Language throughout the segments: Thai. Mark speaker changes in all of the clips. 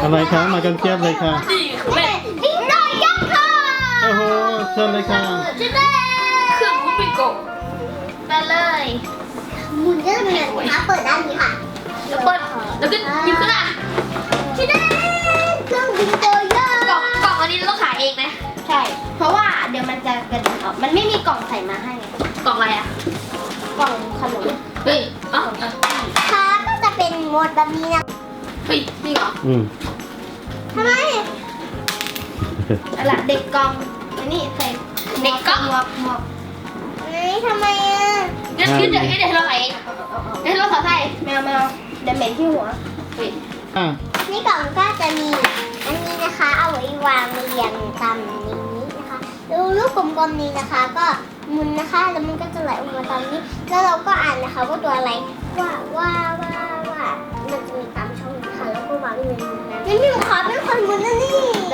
Speaker 1: อะไรคะมากันเทียบเลยค่ะ
Speaker 2: นี่คือแม่
Speaker 3: ดิ้งดอยยักษ์ค่ะ
Speaker 1: โอ้โหเชิญเลยค่ะ
Speaker 3: จะได้
Speaker 2: เครื่องมุกปิโกะ
Speaker 3: ไปเลยหมุนจะเป็นแบบนี้ค่ะเปิดด้านนี้ค่ะ
Speaker 2: แล้วเปิดแล้วก็หยิบขึ้นอ่ะ
Speaker 3: จะได้เครื่องบินโตโย่
Speaker 2: กล่องอันนี้เราต้องขายเองไหม
Speaker 3: ใช่ เพราะว่าเดี๋ยวมันจะกระเด็นออกมันไม่มีกล่องใส่มาให้
Speaker 2: กล่องอะไรอ่ะ
Speaker 3: กล่องขนม
Speaker 2: เฮ้ยอ๋อ
Speaker 3: ค่ะก็จะเป็นหมวดแบบนี้นะ
Speaker 2: เฮ้ยนี่เหรอ
Speaker 3: ทำไมอะไรเด็กกล่องอันนี้ใส่
Speaker 2: เด็กกล่อง
Speaker 3: หมวกนี่ทำไมอ่ะ
Speaker 2: เดี๋ยวเดี๋ยวเราขายเองเดี๋ยวเราขอใส่
Speaker 3: แมวเดี๋ยวเหม็นที่หัว
Speaker 2: เฮ้ย
Speaker 1: อ่ะ
Speaker 3: นี่กล่องก็จะมีอันนี้นะคะ เอาไว้วางเรียงตามนี้นะคะดูลูกกลมๆนี้นะคะ ก็หมุนนะคะแล้วมันก็จะไหลออกมาตามนี้ แล้วเราก็อ่านนะคะว่าตัวอะไรว่ามันจะมีตามช่องนะคะแล้วก็วางเงินนั้นงั้นพี่ขอเป็นคนหมุนนะนี่ได้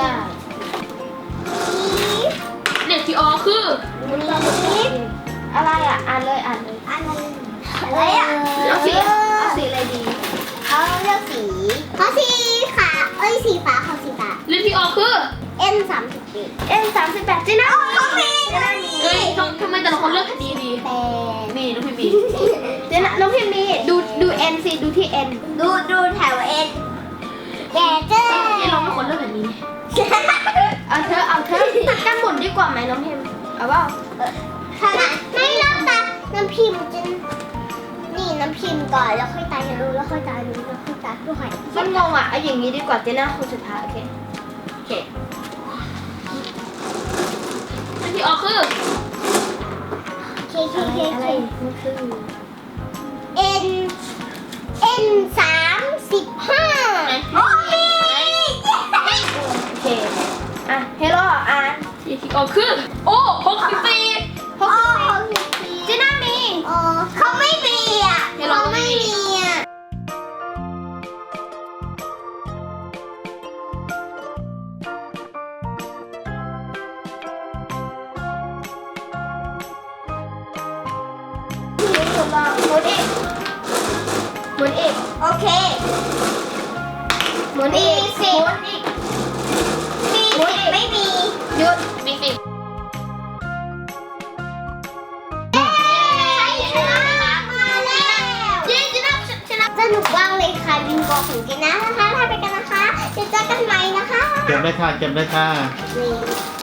Speaker 2: เด็กที่ออคือ
Speaker 3: อะไรอ่ะอ่านเลยอะไรอ่ะ
Speaker 2: เอาสี
Speaker 3: อะไรดีเอาเลือกสีเขาสีขาสีฟ้าเขาสีฟ้า
Speaker 2: เรื่องที่ออคือ
Speaker 3: N38 จีน่าเขามี
Speaker 2: เฮ้ยทำไมแต่ละคนเลือกคดีดี
Speaker 3: แต่
Speaker 2: นี่น้องพี่บี
Speaker 3: เดี๋ยวนะน้องพิมพ์มีดู N สิดูที่ N ดูแถว N แกเจ้
Speaker 2: นี่เราไม่ควรเลือกแบบนี้
Speaker 3: เอาเธอตัดกันหมุนดีกว่าไหมน้องพิมพ์เอาเปล่าไม่เริ่มตัดน้ำพิมพ์จะนี่น้ำพิมพ์ก่อนแล้วค่อยตายรู้แล้วค่อยตายรู้แล้วค่อยตายด้วยมันงงอ่ะเอาอย่างนี้ดีกว่าเจน่าคนสุดท้ายโอเค
Speaker 2: โอเคเรื่องที่ออคือ
Speaker 3: เคอะไรมันคือ N 35โอ้ยโอเคอ่ะเฮโร่อ่ะ
Speaker 2: เรื่องที่ออคือโอ้64
Speaker 3: เจน่ามีเขาไม่มีอ่ะ
Speaker 2: เฮโร่ก็ไม่มี
Speaker 3: อ่ะหมุนอีกโอเคหมุนอีกสิไม่มีหยุด
Speaker 2: มีสิ
Speaker 3: สนุกมากเลยค่ะบิงโกของเจน่านะคะถ้าไปกันนะคะเดี๋ยวเจอกันใหม่นะคะ
Speaker 1: เก็บเลยค่ะเก็บเลยค่ะ
Speaker 3: นี่